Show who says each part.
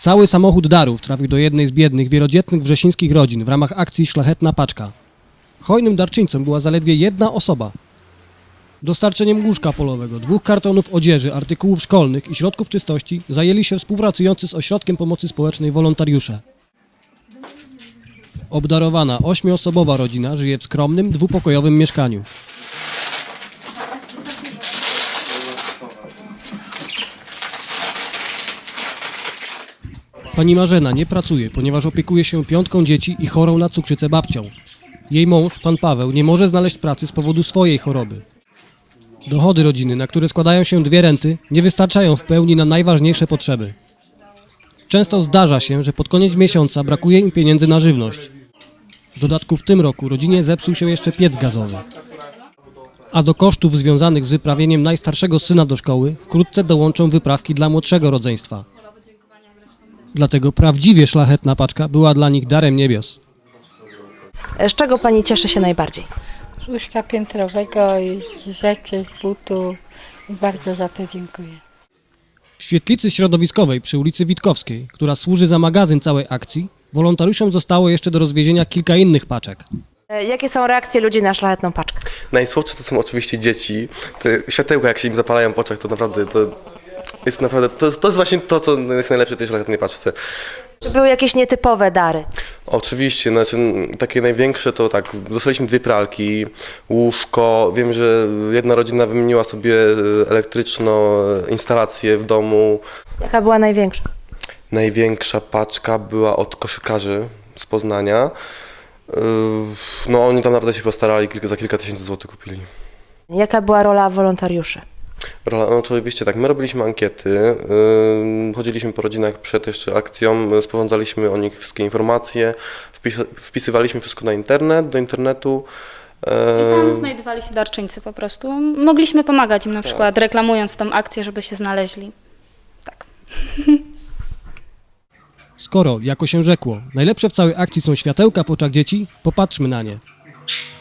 Speaker 1: Cały samochód darów trafił do jednej z biednych, wielodzietnych wrzesińskich rodzin w ramach akcji Szlachetna Paczka. Hojnym darczyńcą była zaledwie jedna osoba. Dostarczeniem łóżka polowego, 2 kartonów odzieży, artykułów szkolnych i środków czystości zajęli się współpracujący z Ośrodkiem Pomocy Społecznej wolontariusze. Obdarowana 8-osobowa rodzina żyje w skromnym, 2-pokojowym mieszkaniu. Pani Marzena nie pracuje, ponieważ opiekuje się 5 dzieci i chorą na cukrzycę babcią. Jej mąż, pan Paweł, nie może znaleźć pracy z powodu swojej choroby. Dochody rodziny, na które składają się 2 renty, nie wystarczają w pełni na najważniejsze potrzeby. Często zdarza się, że pod koniec miesiąca brakuje im pieniędzy na żywność. W dodatku w tym roku rodzinie zepsuł się jeszcze piec gazowy. A do kosztów związanych z wyprawieniem najstarszego syna do szkoły wkrótce dołączą wyprawki dla młodszego rodzeństwa. Dlatego prawdziwie szlachetna paczka była dla nich darem niebios.
Speaker 2: Z czego pani cieszy się najbardziej?
Speaker 3: Z łóżka piętrowego i z rzeczy, z butu i bardzo za to dziękuję.
Speaker 1: W świetlicy środowiskowej przy ulicy Witkowskiej, która służy za magazyn całej akcji, wolontariuszom zostało jeszcze do rozwiezienia kilka innych paczek.
Speaker 2: Jakie są reakcje ludzi na szlachetną paczkę?
Speaker 4: Najsłodsze to są oczywiście dzieci. Te światełka, jak się im zapalają w oczach, to naprawdę to jest właśnie to, co jest najlepsze w tej szlachetnej paczce.
Speaker 2: Czy były jakieś nietypowe dary?
Speaker 4: Oczywiście, znaczy takie największe to tak, dostaliśmy 2 pralki, łóżko. Wiem, że jedna rodzina wymieniła sobie elektryczną instalację w domu.
Speaker 2: Jaka była największa?
Speaker 4: Największa paczka była od koszykarzy z Poznania. No oni tam naprawdę się postarali, za kilka tysięcy złotych kupili.
Speaker 2: Jaka była rola wolontariuszy?
Speaker 4: No oczywiście tak, my robiliśmy ankiety, chodziliśmy po rodzinach przed jeszcze akcją, sporządzaliśmy o nich wszystkie informacje, wpisywaliśmy wszystko na internet, do internetu.
Speaker 5: I tam znajdowali się darczyńcy po prostu. Mogliśmy pomagać im na przykład reklamując tą akcję, żeby się znaleźli. Tak.
Speaker 1: Skoro, jako się rzekło, najlepsze w całej akcji są światełka w oczach dzieci, popatrzmy na nie.